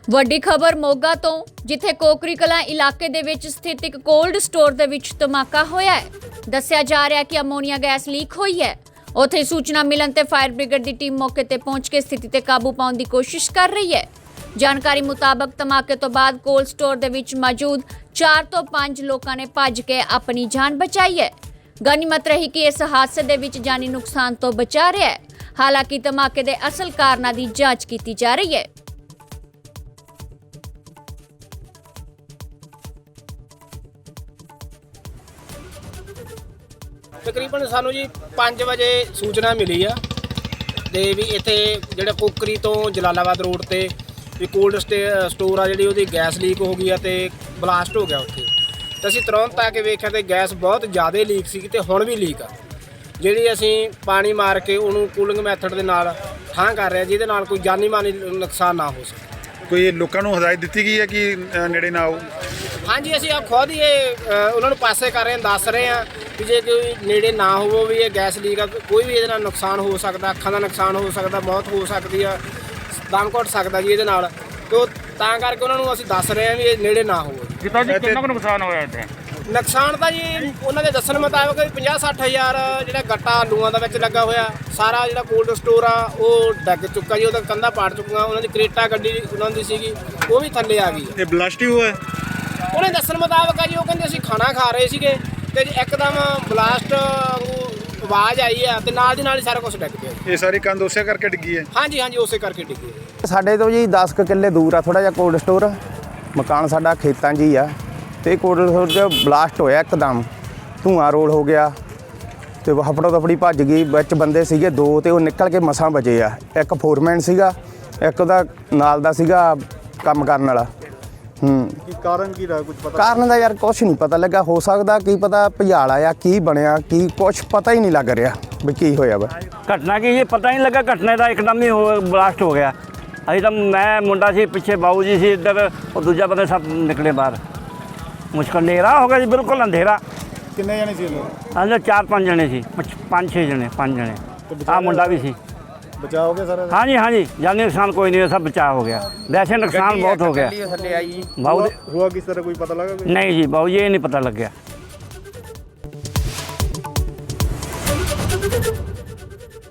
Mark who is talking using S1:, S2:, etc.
S1: ਵੱਡੀ ਖਬਰ ਮੋਗਾ ਤੋਂ, ਜਿੱਥੇ ਕੋਕਰੀ ਕਲਾਂ ਇਲਾਕੇ ਦੇ ਵਿੱਚ ਸਥਿਤ ਇੱਕ ਕੋਲਡ ਸਟੋਰ ਦੇ ਵਿੱਚ ਧਮਾਕਾ ਹੋਇਆ ਹੈ। ਦੱਸਿਆ ਜਾ ਰਿਹਾ ਹੈ ਕਿ ਅਮੋਨੀਆ ਗੈਸ ਲੀਕ ਹੋਈ ਹੈ। ਉੱਥੇ ਸੂਚਨਾ ਮਿਲਣ ਤੇ ਫਾਇਰ ਬ੍ਰਿਗੇਡ ਦੀ ਟੀਮ ਮੌਕੇ ਤੇ ਪਹੁੰਚ ਕੇ ਸਥਿਤੀ ਤੇ ਕਾਬੂ ਪਾਉਣ ਦੀ ਕੋਸ਼ਿਸ਼ ਕਰ ਰਹੀ ਹੈ। ਜਾਣਕਾਰੀ ਮੁਤਾਬਕ ਧਮਾਕੇ ਤੋਂ ਬਾਅਦ ਕੋਲਡ ਸਟੋਰ ਦੇ ਵਿੱਚ ਮੌਜੂਦ 4 ਤੋਂ 5 ਲੋਕਾਂ ਨੇ ਭੱਜ ਕੇ ਆਪਣੀ ਜਾਨ ਬਚਾਈ ਹੈ। ਗਨੀਮਤ ਰਹੀ ਕਿ ਇਸ ਹਾਦਸੇ ਦੇ ਵਿੱਚ ਜਾਨੀ ਨੁਕਸਾਨ ਤੋਂ ਬਚਾ ਰਿਹਾ ਹੈ। ਹਾਲਾਂਕਿ ਧਮਾਕੇ ਦੇ ਅਸਲ ਕਾਰਨਾਂ ਦੀ ਜਾਂਚ ਕੀਤੀ ਜਾ ਰਹੀ ਹੈ।
S2: ਤਕਰੀਬਨ ਸਾਨੂੰ ਜੀ 5 ਵਜੇ ਸੂਚਨਾ ਮਿਲੀ ਆ ਤੇ ਵੀ ਇੱਥੇ ਜਿਹੜਾ ਕੋਕਰੀ ਤੋਂ ਜਲਾਲਾਬਾਦ ਰੋਡ ਤੇ ਵੀ ਕੋਲਡ ਸਟੋਰ ਆ ਜਿਹੜੀ ਉਹਦੀ ਗੈਸ ਲੀਕ ਹੋ ਗਈ ਆ ਤੇ ਬਲਾਸਟ ਹੋ ਗਿਆ ਉੱਥੇ। ਤੇ ਅਸੀਂ ਤੁਰੰਤ ਆ ਕੇ ਵੇਖਿਆ ਤੇ ਗੈਸ ਬਹੁਤ ਜ਼ਿਆਦਾ ਲੀਕ ਸੀ ਤੇ ਹੁਣ ਵੀ ਲੀਕ ਆ, ਜਿਹੜੀ ਅਸੀਂ ਪਾਣੀ ਮਾਰ ਕੇ ਉਹਨੂੰ ਕੂਲਿੰਗ ਮੈਥਡ ਦੇ ਨਾਲ ਠਾਂ ਕਰ ਰਹੇ, ਜਿਹਦੇ ਨਾਲ ਕੋਈ ਜਾਨੀ ਮਾਨੀ ਨੁਕਸਾਨ ਨਾ ਹੋ ਸਕੇ।
S3: ਕੋਈ ਲੋਕਾਂ ਨੂੰ ਹਦਾਇਤ ਦਿੱਤੀ ਗਈ ਹੈ ਕਿ ਨੇੜੇ ਨਾ ਆਓ?
S2: ਹਾਂਜੀ, ਅਸੀਂ ਖੁਦ ਹੀ ਉਹਨਾਂ ਨੂੰ ਪਾਸੇ ਕਰ ਰਹੇ ਹਾਂ, ਦੱਸ ਰਹੇ ਹਾਂ ਕਿ ਜੇ ਕੋਈ ਨੇੜੇ ਨਾ ਹੋਵੋ ਵੀ ਇਹ ਗੈਸ ਲੀਕ ਆ, ਕੋਈ ਵੀ ਇਹਦੇ ਨਾਲ ਨੁਕਸਾਨ ਹੋ ਸਕਦਾ, ਅੱਖਾਂ ਦਾ ਨੁਕਸਾਨ ਹੋ ਸਕਦਾ, ਮੌਤ ਹੋ ਸਕਦੀ ਆ, ਦਮ ਘੁੱਟ ਸਕਦਾ ਜੀ ਇਹਦੇ ਨਾਲ। ਤੋ ਤਾਂ ਕਰਕੇ ਉਹਨਾਂ ਨੂੰ ਅਸੀਂ ਦੱਸ ਰਹੇ ਹਾਂ ਵੀ ਇਹ ਨੇੜੇ ਨਾ ਹੋਵੋ।
S4: ਕਿੰਨਾ ਕੁ ਨੁਕਸਾਨ ਹੋਇਆ ਇੱਥੇ?
S2: ਨੁਕਸਾਨ ਤਾਂ ਜੀ ਉਹਨਾਂ ਦੇ ਦੱਸਣ ਮੁਤਾਬਕ 50-60 ਹਜ਼ਾਰ ਜਿਹੜਾ ਗੱਟਾ ਆਲੂਆਂ ਦਾ ਵਿੱਚ ਲੱਗਾ ਹੋਇਆ। ਸਾਰਾ ਜਿਹੜਾ ਕੋਲਡ ਸਟੋਰ ਆ ਉਹ ਡਿੱਗ ਚੁੱਕਾ ਜੀ, ਉਹਦਾ ਕੰਧਾਂ ਪਾੜ ਚੁੱਕੀਆਂ। ਉਹਨਾਂ ਦੀ ਕਰੇਟਾ ਗੱਡੀ ਉਹਨਾਂ ਦੀ ਸੀਗੀ, ਉਹ ਵੀ ਥੱਲੇ ਆ ਗਈ।
S3: ਇਹ ਬਲਾਸਟ ਹੀ ਹੋਇਆ?
S2: ਉਹਨੇ ਦੱਸਣ ਮੁਤਾਬਕ ਆ ਜੀ, ਉਹ ਕਹਿੰਦੇ ਅਸੀਂ ਖਾਣਾ ਖਾ ਰਹੇ ਸੀਗੇ ਤੇ ਇੱਕਦਮ ਬਲਾਸਟ ਆਵਾਜ਼ ਆਈ ਆ ਤੇ ਨਾਲ ਦੀ ਨਾਲ ਹੀ ਸਾਰਾ ਕੁਝ ਡਿੱਗ ਪਿਆ।
S3: ਇਹ ਸਾਰੀ ਕੰਧ ਉਸੇ ਕਰਕੇ ਡਿੱਗੀ ਹੈ?
S2: ਹਾਂਜੀ ਹਾਂਜੀ, ਉਸੇ ਕਰਕੇ ਡਿੱਗੀ।
S5: ਸਾਡੇ ਤੋਂ ਜੀ 10 ਕਿੱਲੇ ਦੂਰ ਆ ਥੋੜਾ ਜਿਹਾ ਕੋਲਡ ਸਟੋਰ। ਮਕਾਨ ਸਾਡਾ ਖੇਤਾਂ 'ਚ ਹੀ ਆ ਤੇ ਕੋਲਡ ਸਟੋਰ 'ਚ ਬਲਾਸਟ ਹੋਇਆ, ਇੱਕਦਮ ਧੂਆਂ ਰੋਲ ਹੋ ਗਿਆ ਤੇ ਹਫੜੋ ਦਫੜੀ ਭੱਜ ਗਈ। ਵਿੱਚ ਬੰਦੇ ਸੀਗੇ 2 ਤੇ ਉਹ ਨਿਕਲ ਕੇ ਮਸਾਂ ਬਚੇ ਆ। ਇੱਕ ਫੋਰਮੈਨ ਸੀਗਾ, ਇੱਕ ਉਹਦਾ ਨਾਲ ਦਾ ਸੀਗਾ ਕੰਮ ਕਰਨ ਵਾਲਾ।
S3: ਕੀ ਕਾਰਨ ਕੀ ਰਿਹਾ, ਕੁਝ ਪਤਾ?
S5: ਕਾਰਨ ਦਾ ਯਾਰ ਕੁਛ ਨਹੀਂ ਪਤਾ ਲੱਗਾ। ਹੋ ਸਕਦਾ ਕੀ ਪਤਾ ਭੁਜਾਲ ਆਇਆ, ਕੀ ਬਣਿਆ, ਕੀ ਕੁਛ ਪਤਾ ਹੀ ਨਹੀਂ ਲੱਗ ਰਿਹਾ ਵੀ ਕੀ ਹੋਇਆ ਵਾ।
S4: ਘਟਨਾ ਕੀ ਇਹ ਪਤਾ ਹੀ ਨਹੀਂ ਲੱਗਾ। ਘਟਨਾ ਦਾ ਇੱਕਦਮ ਹੀ ਬਲਾਸਟ ਹੋ ਗਿਆ। ਅਸੀਂ ਤਾਂ ਮੈਂ ਮੁੰਡਾ ਸੀ ਪਿੱਛੇ, ਬਾਊ ਜੀ ਸੀ ਇੱਧਰ, ਉਹ ਦੂਜਾ ਬੰਦੇ ਸਭ ਨਿਕਲੇ ਬਾਹਰ। ਮੁਸ਼ਕਲ ਹਨੇਰਾ ਹੋ ਗਿਆ ਜੀ, ਬਿਲਕੁਲ ਅੰਧੇਰਾ।
S3: ਕਿੰਨੇ ਜਣੇ ਸੀ ਲੋਕ?
S4: ਅੰਦਰ 4-5 ਜਣੇ ਸੀ, 5-6 ਜਣੇ, 5 ਜਣੇ। ਆਹ ਮੁੰਡਾ ਵੀ ਸੀ।
S3: ਬਚਾਅ ਹੋ ਗਿਆ ਸਾਰਾ?
S4: ਹਾਂਜੀ ਹਾਂਜੀ, ਜਾਨੀ ਨੁਕਸਾਨ ਕੋਈ ਨਹੀਂ, ਸਭ ਬਚਾਅ ਹੋ ਗਿਆ। ਵੈਸੇ ਨੁਕਸਾਨ ਬਹੁਤ ਹੋ ਗਿਆ। ਬਾਊ
S3: ਹੁਆ ਕਿਸ ਤਰ੍ਹਾਂ ਕੋਈ ਪਤਾ ਲੱਗਾ?
S4: ਨਹੀਂ ਜੀ ਬਾਊ ਜੀ, ਇਹ ਨਹੀਂ ਪਤਾ ਲੱਗਿਆ।